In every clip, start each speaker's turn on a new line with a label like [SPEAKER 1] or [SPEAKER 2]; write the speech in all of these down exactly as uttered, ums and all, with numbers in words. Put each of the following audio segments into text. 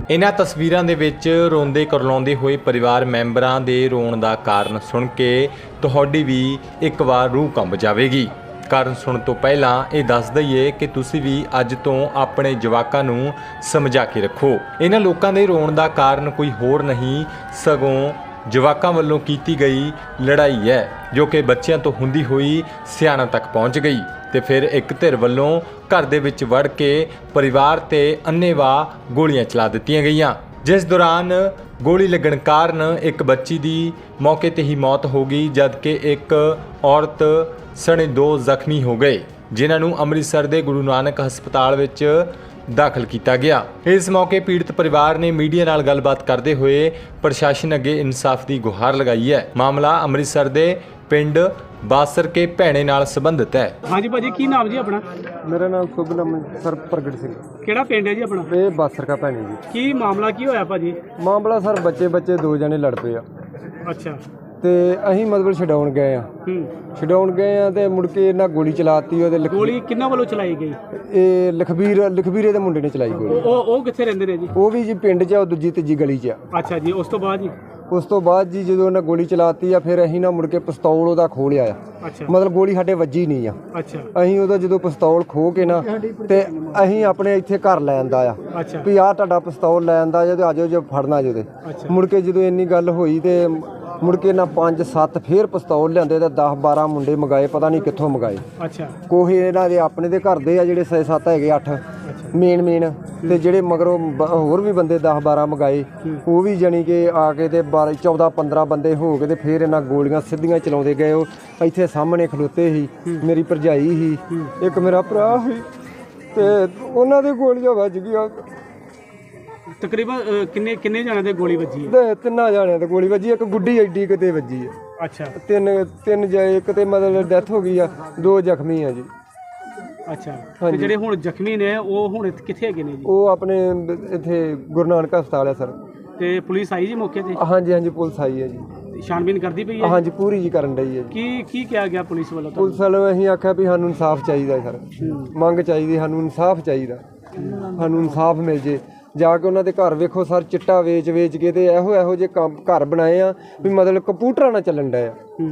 [SPEAKER 1] इन्हां तस्वीरां दे विच रोंदे करलाउंदे होए परिवार मैंबरां दे रोण दा कारण सुण के तुहाडी भी एक वार रूह कंब जावेगी। कारण सुण तो पहलां ये दस दईए कि तुसीं भी अज तो अपने जवाकां नूं समझा के रखो। इन्हां लोकां दे रोण दा कारण कोई होर नहीं सगों जवाकां वल्लों कीती गई लड़ाई है, जो कि बच्चियां तो हुंदी होई सियाणा तक पहुंच गई ते फिर एक धिर वल्लों घर दे विच वड़ के परिवार ते अन्नेवाह गोलियां चला दित्तियां गईयां, जिस दौरान गोली लगण कारण एक बच्ची दी मौके ते ही मौत हो गई, जबकि एक औरत सने दो ਜ਼ਖਮੀ हो गए, जिन्हां नूं ਅੰਮ੍ਰਿਤਸਰ ਦੇ ਗੁਰੂ ਨਾਨਕ ਹਸਪਤਾਲ ਵਿੱਚ ਦਾਖਲ ਕੀਤਾ ਗਿਆ। ਇਸ ਮੌਕੇ ਪੀੜਤ ਪਰਿਵਾਰ ਨੇ ਮੀਡੀਆ ਨਾਲ ਗੱਲਬਾਤ ਕਰਦੇ ਹੋਏ ਪ੍ਰਸ਼ਾਸਨ ਅੱਗੇ ਇਨਸਾਫ ਦੀ ਗੁਹਾਰ ਲਗਾਈ ਹੈ। ਮਾਮਲਾ ਅੰਮ੍ਰਿਤਸਰ ਦੇ ਪਿੰਡ ਬਾਸਰ ਕੇ ਭੈਣੇ ਨਾਲ ਸੰਬੰਧਿਤ ਹੈ।
[SPEAKER 2] ਹਾਂਜੀ ਭਾਜੀ, ਕੀ ਨਾਮ ਜੀ ਆਪਣਾ?
[SPEAKER 3] ਮੇਰਾ ਨਾਮ ਸ਼ੁਭ ਨਾਮ ਸਰ ਪ੍ਰਗਟ ਸਿੰਘ।
[SPEAKER 2] ਕਿਹੜਾ ਪਿੰਡ ਹੈ ਜੀ ਆਪਣਾ?
[SPEAKER 3] ਇਹ ਬਾਸਰ ਕਾ ਭੈਣੀ ਜੀ।
[SPEAKER 2] ਕੀ ਮਾਮਲਾ ਕੀ ਹੋਇਆ ਭਾਜੀ?
[SPEAKER 3] ਮਾਮਲਾ ਸਰ ਬੱਚੇ ਬੱਚੇ ਦੋ ਜਣੇ ਲੜ ਪਏ ਆ
[SPEAKER 2] ਅੱਛਾ
[SPEAKER 3] ਤੇ ਅਸੀਂ ਮਤਲਬ ਛਡਾਉਣ ਗਏ ਆ
[SPEAKER 2] ਹੂੰ
[SPEAKER 3] ਛਡਾਉਣ ਗਏ ਆ ਤੇ ਮੁੜ ਕੇ ਇਹਨਾਂ ਗੋਲੀ ਚਲਾਤੀ। ਉਹਦੇ ਲਖ-
[SPEAKER 2] ਗੋਲੀ ਕਿੰਨਾਂ ਵੱਲੋਂ ਚਲਾਈ ਗਈ?
[SPEAKER 3] ਇਹ ਲਖਬੀਰ ਲਖਬੀਰੇ ਦੇ ਮੁੰਡੇ ਨੇ ਚਲਾਈ ਗੋਲੀ।
[SPEAKER 2] ਉਹ ਉਹ ਕਿੱਥੇ ਰਹਿੰਦੇ ਨੇ ਜੀ?
[SPEAKER 3] ਉਹ ਵੀ ਜੀ ਪਿੰਡ 'ਚ ਆ, ਉਹ ਦੂਜੀ ਤੀਜੀ ਗਲੀ 'ਚ ਆ।
[SPEAKER 2] ਅੱਛਾ ਜੀ, ਉਸ ਤੋਂ ਬਾਅਦ ਜੀ?
[SPEAKER 3] ਉਸ ਤੋਂ ਬਾਅਦ ਜੀ ਜਦੋਂ ਉਹਨਾਂ ਗੋਲੀ ਚਲਾਤੀ ਆ ਫਿਰ ਅਸੀਂ ਨਾ ਮੁੜ ਕੇ ਪਿਸਤੌਲ ਉਹਦਾ ਖੋਹ ਲਿਆ ਆ।
[SPEAKER 2] ਅੱਛਾ
[SPEAKER 3] ਮਤਲਬ ਗੋਲੀ ਸਾਡੇ ਵੱਜੀ ਨਹੀਂ ਆ।
[SPEAKER 2] ਅੱਛਾ
[SPEAKER 3] ਅਸੀਂ ਉਹਦਾ ਜਦੋਂ ਪਿਸਤੌਲ ਖੋਹ ਕੇ ਨਾ ਤੇ ਅਸੀਂ ਆਪਣੇ ਇੱਥੇ ਘਰ ਲੈ ਆਂਦਾ ਆ
[SPEAKER 2] ਅੱਛਾ
[SPEAKER 3] ਵੀ ਆਹ ਤੁਹਾਡਾ ਪਿਸਤੌਲ ਲੈ ਆਂਦਾ ਜੇ ਤੇ ਆਜੋ ਜੇ ਫੜਨਾ ਜੇ ਤੇ
[SPEAKER 2] ਅੱਛਾ
[SPEAKER 3] ਮੁੜ ਕੇ ਜਦੋਂ ਇੰਨੀ ਗੱਲ ਹੋਈ ਤੇ ਮੁੜ ਕੇ ਨਾ ਪੰਜ ਸੱਤ ਫੇਰ ਪਿਸਤੌਲ ਲਿਆਂਦੇ ਤੇ ਦਸ ਬਾਰਾਂ ਮੁੰਡੇ ਮੰਗਾਏ, ਪਤਾ ਨਹੀਂ ਕਿੱਥੋਂ ਮੰਗਾਏ।
[SPEAKER 2] ਅੱਛਾ
[SPEAKER 3] ਕੋਹੇ ਇਹਨਾਂ ਦੇ ਆਪਣੇ ਦੇ ਘਰ ਦੇ ਆ ਜਿਹੜੇ ਛੇ ਸੱਤ ਹੈਗੇ ਅੱਠ ਮੇਨ ਮੇਨ ਤੇ ਜਿਹੜੇ ਮਗਰੋਂ ਬ- ਹੋਰ ਵੀ ਬੰਦੇ ਦਸ ਬਾਰਾਂ ਮੰਗਾਏ, ਉਹ ਵੀ ਜਾਣੀ ਕਿ ਆ ਕੇ ਤੇ ਬਾਰਾਂ ਚੌਦਾਂ ਪੰਦਰਾਂ ਬੰਦੇ ਹੋ ਕੇ ਤੇ ਫਿਰ ਇਹਨਾਂ ਗੋਲੀਆਂ ਸਿੱਧੀਆਂ ਚਲਾਉਂਦੇ ਗਏ। ਉਹ ਇੱਥੇ ਸਾਹਮਣੇ ਖਲੋਤੇ ਸੀ, ਮੇਰੀ ਭਰਜਾਈ ਸੀ, ਇੱਕ ਮੇਰਾ ਭਰਾ ਸੀ ਤੇ ਉਹਨਾਂ ਦੇ ਗੋਲੀਆਂ ਵੱਜ ਗਈਆਂ
[SPEAKER 2] ਤਕਰੀਬਨ ਅ, ਕਿੰਨੇ ਕਿੰਨੇ ਜਣਿਆਂ ਦੇ ਗੋਲੀ ਵੱਜੀ ਹੈ?
[SPEAKER 3] ਤੇ ਤਿੰਨਾਂ ਜਾਣਿਆਂ ਤੇ ਗੋਲੀ ਵੱਜੀ। ਇੱਕ ਗੁੱਡੀ ਐਡੀ ਕਿਤੇ ਵੱਜੀ ਆ।
[SPEAKER 2] ਅੱਛਾ
[SPEAKER 3] ਤਿੰਨ ਤਿੰਨ ਜਾਏ, ਇੱਕ ਤੇ ਮਤਲਬ ਡੈਥ ਹੋ ਗਈ ਆ, ਦੋ ਜ਼ਖਮੀ ਆ ਜੀ।
[SPEAKER 2] ਅੱਛਾ ਤੇ ਜਿਹੜੇ ਹੁਣ ਜ਼ਖਮੀ ਨੇ ਉਹ ਹੁਣ ਇੱਥੇ ਕਿੱਥੇ ਹੈਗੇ ਨੇ ਜੀ?
[SPEAKER 3] ਉਹ ਆਪਣੇ ਇੱਥੇ ਗੁਰੂ ਨਾਨਕ ਹਸਪਤਾਲ ਆ ਸਰ।
[SPEAKER 2] ਤੇ ਪੁਲਿਸ ਆਈ ਜੀ ਮੌਕੇ ਤੇ?
[SPEAKER 3] ਹਾਂਜੀ ਹਾਂਜੀ ਪੁਲਿਸ ਆਈ ਹੈ ਜੀ।
[SPEAKER 2] ਛਾਣਬੀਨ ਕਰਦੀ ਪਈ ਹੈ?
[SPEAKER 3] ਹਾਂਜੀ ਪੂਰੀ ਜੀ ਕਰਨ ਡਈ ਹੈ ਜੀ।
[SPEAKER 2] ਕੀ ਕੀ ਕਿਹਾ ਗਿਆ ਪੁਲਿਸ ਵੱਲੋਂ ਤੁਹਾਨੂੰ?
[SPEAKER 3] ਪੁਲਿਸ ਵਾਲੇ ਅਸੀਂ ਆਖਿਆ ਵੀ ਸਾਨੂੰ ਇਨਸਾਫ ਚਾਹੀਦਾ ਸਰ, ਮੰਗ ਚਾਹੀਦੀ, ਸਾਨੂੰ ਇਨਸਾਫ ਚਾਹੀਦਾ, ਸਾਨੂੰ ਇਨਸਾਫ ਮਿਲ ਜੇ। ਜਾ ਕੇ ਉਹਨਾਂ ਦੇ ਘਰ ਵੇਖੋ ਸਰ, ਚਿੱਟਾ ਵੇਚ ਵੇਚ ਕੇ ਤੇ ਇਹੋ ਇਹੋ ਜਿਹੇ ਕੰਮ ਘਰ ਬਣਾਏ ਆ ਵੀ ਮਤਲਬ ਕੰਪਿਊਟਰਾਂ ਨਾਲ ਚੱਲਣ ਡਿਆ।
[SPEAKER 2] ਹੂੰ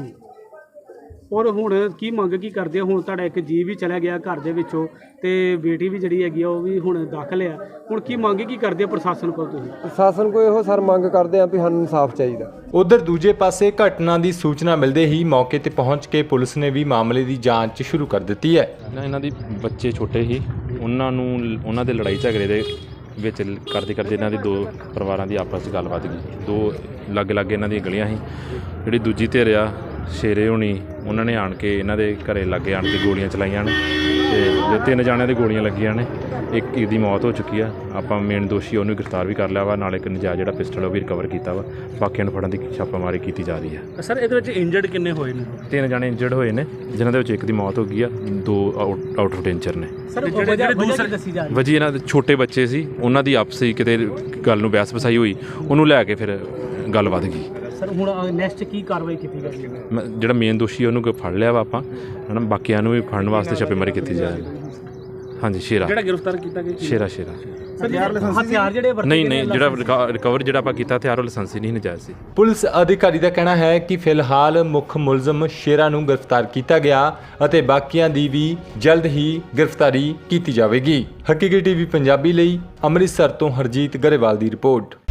[SPEAKER 2] ਔਰ ਹੁਣ ਕੀ ਮੰਗ ਕੀ ਕਰਦੇ ਹੋ? ਹੁਣ ਤੁਹਾਡਾ ਇੱਕ ਜੀ ਵੀ ਚਲਾ ਗਿਆ ਘਰ ਦੇ ਵਿੱਚੋਂ ਤੇ ਬੇਟੀ ਵੀ ਜਿਹੜੀ ਹੈਗੀ ਆ ਉਹ ਵੀ ਹੁਣ ਦਾਖਲ ਆ। ਹੁਣ ਕੀ ਮੰਗ ਕੀ ਕਰਦੇ ਹੋ ਪ੍ਰਸ਼ਾਸਨ ਕੋਲ ਤੁਸੀਂ?
[SPEAKER 3] ਪ੍ਰਸ਼ਾਸਨ ਕੋਲ ਇਹੋ ਸਰ ਮੰਗ ਕਰਦੇ ਆ ਵੀ ਸਾਨੂੰ ਇਨਸਾਫ ਚਾਹੀਦਾ।
[SPEAKER 1] ਉਧਰ ਦੂਜੇ ਪਾਸੇ ਘਟਨਾ ਦੀ ਸੂਚਨਾ ਮਿਲਦੇ ਹੀ ਮੌਕੇ ਤੇ ਪਹੁੰਚ ਕੇ ਪੁਲਿਸ ਨੇ ਵੀ ਮਾਮਲੇ ਦੀ ਜਾਂਚ ਸ਼ੁਰੂ ਕਰ ਦਿੱਤੀ ਹੈ।
[SPEAKER 4] ਇਹਨਾਂ ਦੀ ਬੱਚੇ ਛੋਟੇ ਸੀ, ਉਹਨਾਂ ਨੂੰ ਉਹਨਾਂ ਦੇ ਲੜਾਈ ਝਗੜੇ ਦੇ ਵਿੱਚ ਕਰਦੇ ਕਰਦੇ ਇਹਨਾਂ ਦੇ ਦੋ ਪਰਿਵਾਰਾਂ ਦੀ ਆਪਸ 'ਚ ਗੱਲ ਵੱਧ ਗਈ। ਦੋ ਲੱਗ ਲੱਗ ਇਹਨਾਂ ਦੀਆਂ ਗਲੀਆਂ ਸੀ। ਜਿਹੜੀ ਦੂਜੀ ਧਿਰ ਆ ਸ਼ੇਰੇ ਹੋਣੀ, ਉਹਨਾਂ ਨੇ ਆਣ ਕੇ ਇਹਨਾਂ ਦੇ ਘਰੇ ਲਾਗੇ ਆਣ ਕੇ ਗੋਲੀਆਂ ਚਲਾਈਆਂ ਨੇ ਤੇ ਜੋ ਤਿੰਨ ਜਾਣਿਆਂ ਦੇ ਗੋਲੀਆਂ ਲੱਗੀਆਂ ਨੇ, ਇੱਕ ਦੀ ਮੌਤ ਹੋ ਚੁੱਕੀ ਆ। ਆਪਾਂ ਮੇਨ ਦੋਸ਼ੀ ਉਹਨੂੰ ਗ੍ਰਿਫਤਾਰ ਵੀ ਕਰ ਲਿਆ ਵਾ, ਨਾਲ ਇੱਕ ਨਜਾਇਜ਼ ਜਿਹੜਾ ਪਿਸਟਲ ਉਹ ਵੀ ਰਿਕਵਰ ਕੀਤਾ ਵਾ। ਬਾਕੀਆਂ ਨੂੰ ਫੜਨ ਦੀ ਛਾਪਾਮਾਰੀ ਕੀਤੀ ਜਾ ਰਹੀ ਹੈ।
[SPEAKER 2] ਸਰ ਇਹਦੇ ਵਿੱਚ ਇੰਜਰਡ ਕਿੰਨੇ ਹੋਏ ਨੇ?
[SPEAKER 4] ਤਿੰਨ ਜਾਣੇ ਇੰਜਰਡ ਹੋਏ ਨੇ, ਜਿਨ੍ਹਾਂ ਦੇ ਵਿੱਚ ਇੱਕ ਦੀ ਮੌਤ ਹੋ ਗਈ ਆ, ਦੋ ਆਊਟ ਆਊਟ ਆਫ ਡੇਂਜਰ ਨੇ।
[SPEAKER 2] ਸਰ ਜਿਹੜੇ ਜਿਹੜੇ ਦੂਸਰੇ ਦੱਸੀ ਜਾ ਰਹੀ
[SPEAKER 4] ਵਜੀ ਇਹਨਾਂ ਦੇ ਛੋਟੇ ਬੱਚੇ ਸੀ, ਉਹਨਾਂ ਦੀ ਆਪਸੀ ਕਿਤੇ ਗੱਲ ਨੂੰ ਬਹਿਸ ਵਸਾਈ ਹੋਈ, ਉਹਨੂੰ ਲੈ ਕੇ ਫਿਰ ਗੱਲ ਵੱਧ ਗਈ।
[SPEAKER 2] ਸਰ ਹੁਣ ਨੈਕਸਟ ਕੀ ਕਾਰਵਾਈ ਕੀਤੀ ਜਾਏਗੀ?
[SPEAKER 4] ਮੈਂ- ਜਿਹੜਾ ਮੇਨ ਦੋਸ਼ੀ ਉਹਨੂੰ ਫੜ ਲਿਆ ਵਾ ਆਪਾਂ, ਹੈ ਨਾ। ਬਾਕੀਆਂ ਨੂੰ ਵੀ ਫੜਨ ਵਾਸਤੇ ਛਾਪੇਮਾਰੀ ਕੀਤੀ ਜਾਏਗੀ। ਹਾਂਜੀ ਸ਼ੇਰਾ
[SPEAKER 2] ਜਿਹੜਾ ਗ੍ਰਿਫਤਾਰ ਕੀਤਾ ਗਿਆ
[SPEAKER 4] ਸ਼ੇਰਾ ਸ਼ੇਰਾ
[SPEAKER 2] ਸਰ ਹਥਿਆਰ ਜਿਹੜੇ ਵਰਤੇ
[SPEAKER 4] ਨਹੀਂ ਨਹੀਂ ਜਿਹੜਾ ਰਿਕਵਰ ਜਿਹੜਾ ਆਪਾਂ ਕੀਤਾ ਹਥਿਆਰ ਉਹ ਲਾਇਸੈਂਸੀ ਨਹੀਂ ਨਜਾਇਜ਼ ਸੀ।
[SPEAKER 1] ਪੁਲਿਸ ਅਧਿਕਾਰੀ ਦਾ ਕਹਿਣਾ ਹੈ ਕਿ ਫਿਲਹਾਲ ਮੁੱਖ ਮੁਲਜ਼ਮ ਸ਼ੇਰਾ ਨੂੰ ਗ੍ਰਿਫਤਾਰ ਕੀਤਾ ਗਿਆ ਅਤੇ ਬਾਕੀਆਂ ਦੀ ਵੀ ਜਲਦ ਹੀ ਗ੍ਰਿਫਤਾਰੀ ਕੀਤੀ ਜਾਵੇਗੀ। ਹਕੀਕੀ ਟੀਵੀ ਪੰਜਾਬੀ ਲਈ ਅੰਮ੍ਰਿਤਸਰ ਤੋਂ ਹਰਜੀਤ ਗਰੇਵਾਲ ਦੀ ਰਿਪੋਰਟ।